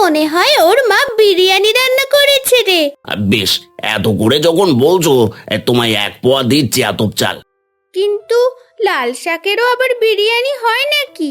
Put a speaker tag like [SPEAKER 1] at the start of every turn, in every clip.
[SPEAKER 1] মনে হয় ওর মা বিরিয়ানি রান্না করেছে রে।
[SPEAKER 2] বেশ, এত করে যখন বলছো, তোমায় 1 পোয়া দিচ্ছি আতপ চাল।
[SPEAKER 1] কিন্তু লাল শাকেরও আবার বিরিয়ানি হয় নাকি?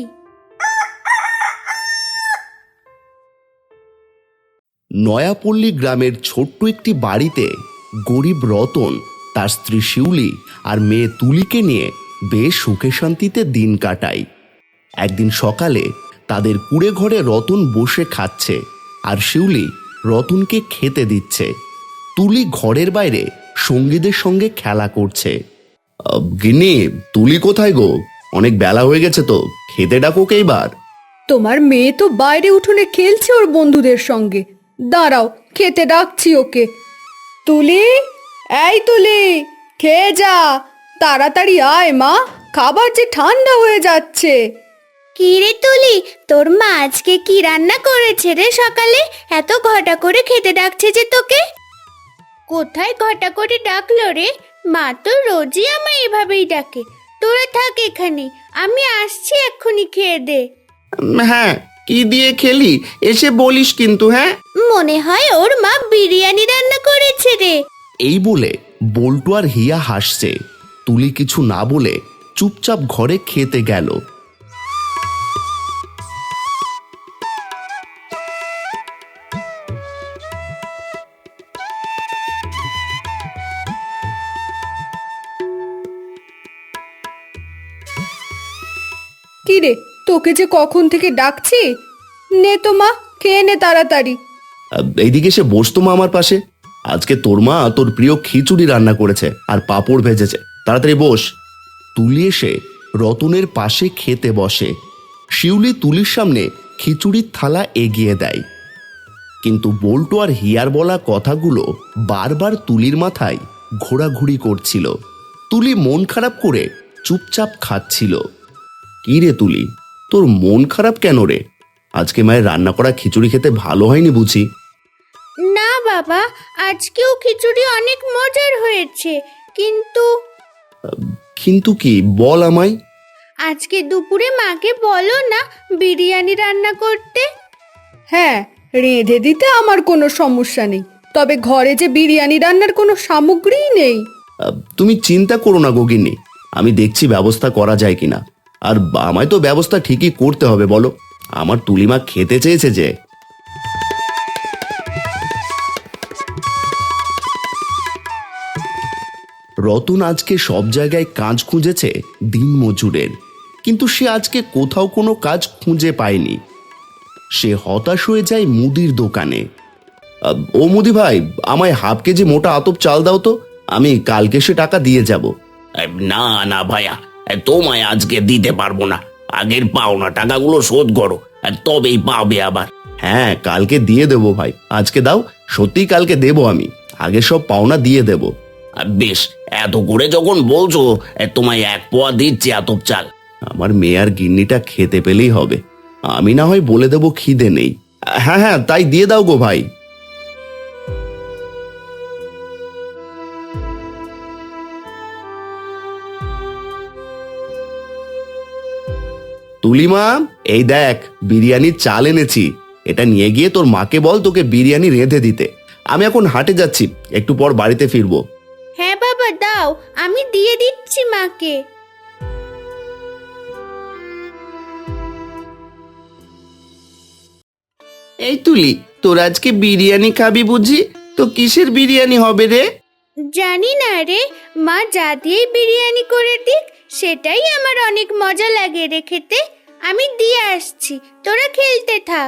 [SPEAKER 3] নয়াপল্লী গ্রামের ছোট্ট একটি বাড়িতে গরিব রতন তার স্ত্রী শিউলি আর মেয়ে তুলিকে নিয়ে বেশ সুখে শান্তিতে দিন কাটায়। একদিন সকালে তাদের কুঁড়ে ঘরে রতন বসে খাচ্ছে আর শিউলি রতনকে খেতে দিচ্ছে। তুলি ঘরের বাইরে সঙ্গীদের সঙ্গে খেলা করছে। গিন্নি, তুলি কোথায় গো? অনেক বেলা হয়ে গেছে তো, খেতে ডাকোকে এবার।
[SPEAKER 4] তোমার মেয়ে তো বাইরে উঠোনে খেলছে ওর বন্ধুদের সঙ্গে। দাঁড়াও, খেতে ডাকছি ওকে। তুলি, এই তুলি, খেয়ে যা, তাড়াতাড়ি আয় মা, খাবার যে ঠান্ডা হয়ে যাচ্ছে।
[SPEAKER 1] কি রে তুলি, তোর মা আজকে কি রান্না করেছে রে? সকালে এত ঘটা করে খেতে ডাকছে যে তোকে। কোথায় ঘটা করে ডাকলো রে? মা তো রোজই আমায় এভাবেই ডাকে। তোরা থাক এখানে, আমি আসছি এক্ষুনি, খেয়ে দে।
[SPEAKER 3] হ্যাঁ, কি দিয়ে খেলি এসে বলিস কিন্তু। হ্যাঁ,
[SPEAKER 1] মনে হয় ওর মা বিরিয়ানি রান্না করেছে রে।
[SPEAKER 3] এই বলে বল্টু আর হিয়া হাসছে। তুলি কিছু না বলে চুপচাপ ঘরে খেতে গেল।
[SPEAKER 4] কি রে, তোকে যে কখন থেকে ডাকছি। নে তো মা, খেয়ে নে তাড়াতাড়ি।
[SPEAKER 3] এইদিকে এসে বসতো মা আমার পাশে। আজকে তোর মা তোর প্রিয় খিচুড়ি রান্না করেছে আর পাঁপড় ভেজেছে, তাড়াতাড়ি বস। তুলি এসে রতনের পাশে খেতে বসে। শিউলি তুলির সামনে খিচুড়ির থালা এগিয়ে দেয়, কিন্তু বল্টু আর হিয়ার বলা কথাগুলো বারবার তুলির মাথায় ঘোরাঘুরি করছিল। তুলি মন খারাপ করে চুপচাপ খাচ্ছিল। কি রে তুলি, তোর মন খারাপ কেন রে? আজকে মায়ের রান্না করা খিচুড়ি খেতে ভালো হয়নি বুঝি?
[SPEAKER 1] না বাবা, আজকেও খিচুড়ি অনেক মজার হয়েছে, কিন্তু
[SPEAKER 3] কিন্তু কি বল আমায়।
[SPEAKER 1] আজকে দুপুরে মাকে বলো না বিরিয়ানি রান্না করতে।
[SPEAKER 4] হ্যাঁ, রেঁধে দিতে আমার কোনো সমস্যা নেই, তবে ঘরে যে বিরিয়ানি রান্নার কোনো সামগ্রীই নেই।
[SPEAKER 3] তুমি চিন্তা করো না গগিন্নি, আমি দেখছি ব্যবস্থা করা যায় কিনা। আর আমায় তো ব্যবস্থা ঠিকই করতে হবে বলো, আমার তুলিমা খেতে চেয়েছে যে। রতন আজকে সব জায়গায় কাজ খুঁজেছে দিন মজুরের, কিন্তু সে আজকে কোথাও কোনো কাজ খুঁজে পায়নি। সে হতাশ হয়ে যায় মুদির দোকানে। ও মুদি ভাই, আমায় হাফ কেজি মোটা আতপ চাল দাও তো, আমি কালকে সে টাকা দিয়ে যাব।
[SPEAKER 2] না না ভাইয়া, তোমায় আজকে দিতে পারবো না। আগের পাওনা টাকাগুলো শোধ করো, তবেই পাবে আবার।
[SPEAKER 3] হ্যাঁ, কালকে দিয়ে দেবো ভাই, আজকে দাও, সত্যি কালকে দেবো আমি, আগে সব পাওনা দিয়ে দেব।
[SPEAKER 2] বেশ, এত করে যখন বলছো, তোমায় 1 পোয়া দিচ্ছি আতপ চাল।
[SPEAKER 3] আমার মেয়ে আর গিন্নিটা খেতে পেলেই হবে, আমি না হয় বলে দেবো খিদে নেই। হ্যাঁ হ্যাঁ, তাই দিয়ে দাও গো ভাই। তুলিমা, এই দেখ বিরিয়ানির চাল এনেছি, এটা নিয়ে গিয়ে তোর মাকে বল তোকে বিরিয়ানি রেঁধে দিতে। আমি এখন হাটে যাচ্ছি, একটু পর বাড়িতে ফিরবো।
[SPEAKER 1] হ্যাঁ বাবা, দাও, আমি দিয়ে দিচ্ছি মাকে।
[SPEAKER 3] এই তুলি, তোর আজকে বিরিয়ানি খাবি বুঝি? তো কিসের বিরিয়ানি হবে রে?
[SPEAKER 1] জানি না রে, মা যা দিয়ে বিরিয়ানি করে দিক সেটাই আমার অনেক মজা লাগে রে খেতে। আমি দিয়ে আসছি, তোরা খেলতে থাক।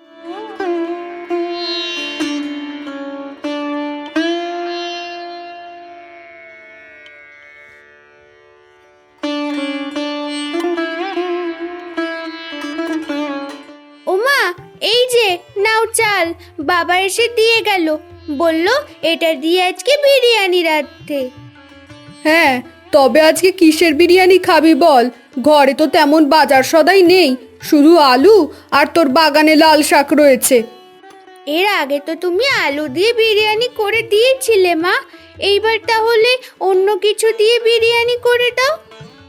[SPEAKER 1] ওমা, এই যে নাও চাল, বাবা এসে দিয়ে গেল, বলল এটা দিয়ে আজকে বিরিয়ানি রাঁধতে।
[SPEAKER 4] হ্যাঁ, তবে আজকে কিসের বিরিয়ানি খাবি বল? ঘরে তো তেমন বাজার সদাই নেই, শুধু আলু আর তোর বাগানে লাল শাক রয়েছে।
[SPEAKER 1] এর আগে তো তুমি আলু দিয়ে বিরিয়ানি করে দিয়েছিলে মা, এইবার তাহলে অন্য কিছু দিয়ে বিরিয়ানি করে দাও।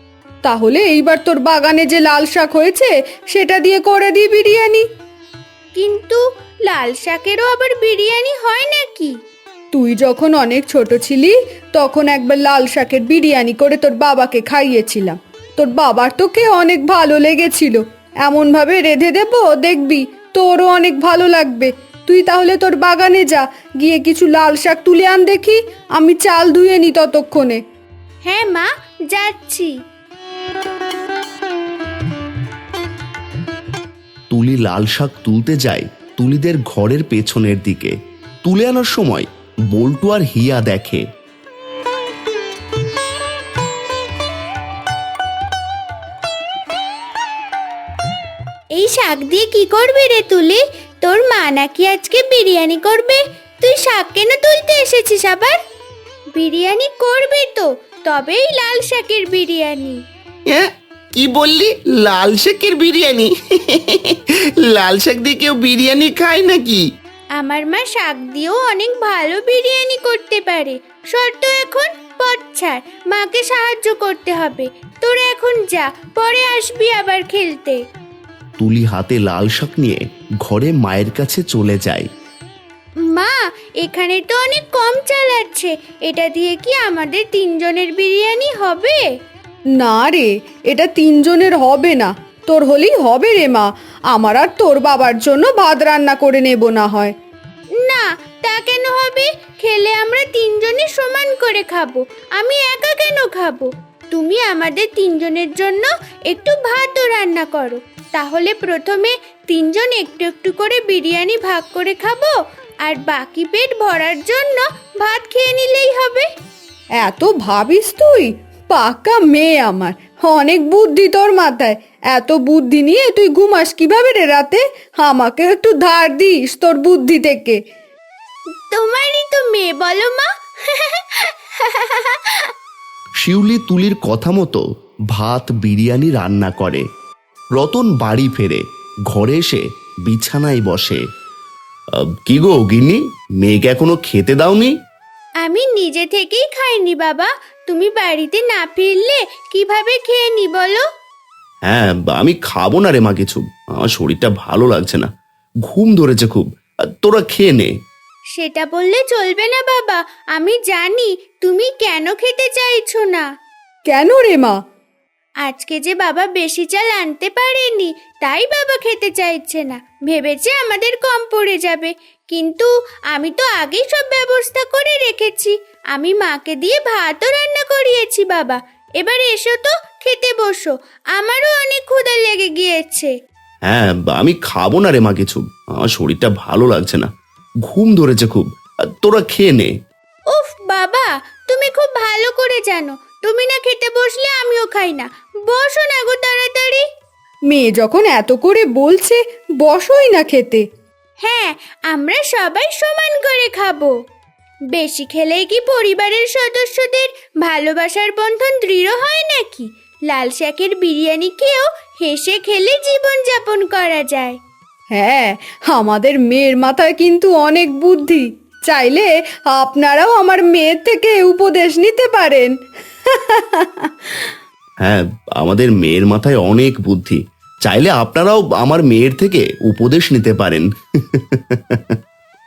[SPEAKER 4] তাহলে এইবার তোর বাগানে যে লাল শাক হয়েছে সেটা দিয়ে করে দিই বিরিয়ানি।
[SPEAKER 1] কিন্তু লাল শাকেরও আবার বিরিয়ানি হয় নাকি?
[SPEAKER 4] তুই যখন অনেক ছোট ছিলি তখন একবার লাল শাকের বিরিয়ানি করে তোর বাবাকে খাইয়েছিলাম। তোর বাবার তোকে অনেক ভালো লেগেছিল। এমনভাবে রেঁধে দেবো, দেখবি তোরও অনেক ভালো লাগবে। তুই তাহলে তোর বাগানে যা, গিয়ে কিছু লাল শাক তুলে আন দেখি, আমি চাল ধুয়ে নি ততক্ষণে।
[SPEAKER 1] হ্যাঁ মা, যাচ্ছি।
[SPEAKER 3] তুলি লাল শাক তুলতে যায় তুলিদের ঘরের পেছনের দিকে। তুলে আনার সময় বল্টু আর হিয়া দেখে
[SPEAKER 1] এই শাক দিয়ে কি করবি রে তুলি? তোর মা নাকি আজকে বিরিয়ানি করবে? তুই শাক কেন তুলতে এসেছিস আবার? বিরিয়ানি করবি তো, তবেই লাল শাকের বিরিয়ানি।
[SPEAKER 2] হ্যাঁ, কি বললি? লাল শাকের বিরিয়ানি? লাল শাক দিয়ে কেউ বিরিয়ানি খায় নাকি?
[SPEAKER 1] আমার মা শাক দিয়েও অনেক ভালো বিরিয়ানি করতে পারে। শর্ত এখন পথ ছাড়, মাকে সাহায্য করতে হবে। তোরা এখন যা, পরে আসবি আবার খেলতে।
[SPEAKER 3] তুলি হাতে লাল শাক নিয়ে ঘরে মায়ের কাছে চলে যায়।
[SPEAKER 1] মা, এখানে তো অনেক কম চাল আছে, এটা দিয়ে কি আমাদের তিনজনের বিরিয়ানি হবে?
[SPEAKER 4] না রে, এটা তিনজনের হবে না, তোর হলেই হবে রে মা। আমার আর তোর বাবার জন্য ভাত রান্না করে নেব না হয়।
[SPEAKER 1] না, তা কেন হবে? খেলে আমরা তিনজনে সমান করে খাবো। আমি একা কেন খাবো? তুমি আমাদের তিনজনের জন্য একটু ভাতও রান্না করো, তাহলে প্রথমে তিনজন একটু একটু করে বিরিয়ানি ভাগ করে খাবো, আর বাকি পেট ভরার জন্য ভাত খেয়ে নিলেই হবে।
[SPEAKER 4] এত ভাবিস তুই? পাকা মেয়ে আমার, অনেক বুদ্ধি তোর মাথায়। এত বুদ্ধি নিয়ে তুই ঘুমাস কিভাবে রে রাতে? আমাকে একটু ধার দিস তোর বুদ্ধি থেকে।
[SPEAKER 1] তোমারই তো মেয়ে, বলো মা।
[SPEAKER 3] শিউলি তুলির কথা মতো ভাত বিরিয়ানি রান্না করে। রতন বাড়ি ফেরে, ঘরে এসে বিছানায় বসে। কি গো গিন্নি, মেয়েকে এখনো খেতে দাওনি?
[SPEAKER 1] আমি নিজে থেকেই খাইনি বাবা, তুমি বাড়িতে না ফিরলে কিভাবে খেয়ে নি বলো?
[SPEAKER 3] হ্যাঁ, আমি খাবো না রে মা কিছু, আমার শরীরটা ভালো লাগছে না, ঘুম ধরেছে খুব। তোরা খেয়ে নে।
[SPEAKER 1] সেটা বললে চলবে না বাবা, আমি জানি তুমি কেন খেতে চাইছো না।
[SPEAKER 4] কেন রে মা?
[SPEAKER 1] আজকে যে বাবা বেশি চাল আনতে পারেনি, তাই বাবা খেতে চাইছে না, ভেবেছে আমাদের কম পড়ে যাবে। কিন্তু আমি তো আগেই সব ব্যবস্থা করে রেখেছি, আমি মাকে দিয়ে ভাতও রান্না করিয়েছি বাবা। এবার এসো তো, খেতে বসো, আমারও অনেক ক্ষুধা লেগে গিয়েছে।
[SPEAKER 3] হ্যাঁ, আমি খাবো না রে মা কিছু, আমার শরীরটা ভালো লাগছে না, ঘুম ধরেছে খুব। তোরা খেয়ে নে।
[SPEAKER 1] উফ বাবা, তুমি খুব ভালো করে জানো তুমি না খেতে বসলে আমিও খাই না। বসো না গো তাড়াতাড়ি।
[SPEAKER 4] মেয়ে যখন এত করে বলছে, বসোই না খেতে।
[SPEAKER 1] হ্যাঁ, আমরা সবাই সমান করে খাবো। বেশি খেলেই কি পরিবারের সদস্যদের ভালোবাসার বন্ধন দৃঢ় হয় নাকি? লাল শাকের বিরিয়ানি খেয়েও হেসে খেলে জীবন যাপন করা যায়।
[SPEAKER 4] হ্যাঁ, আমাদের মেয়ের মাথায় কিন্তু অনেক বুদ্ধি। চাইলে আপনারাও আমার মেয়ের থেকে উপদেশ নিতে পারেন।
[SPEAKER 3] হ্যাঁ, আমাদের মেয়ের মাথায় অনেক বুদ্ধি, চাইলে আপনারাও আমার মেয়ের থেকে উপদেশ নিতে পারেন।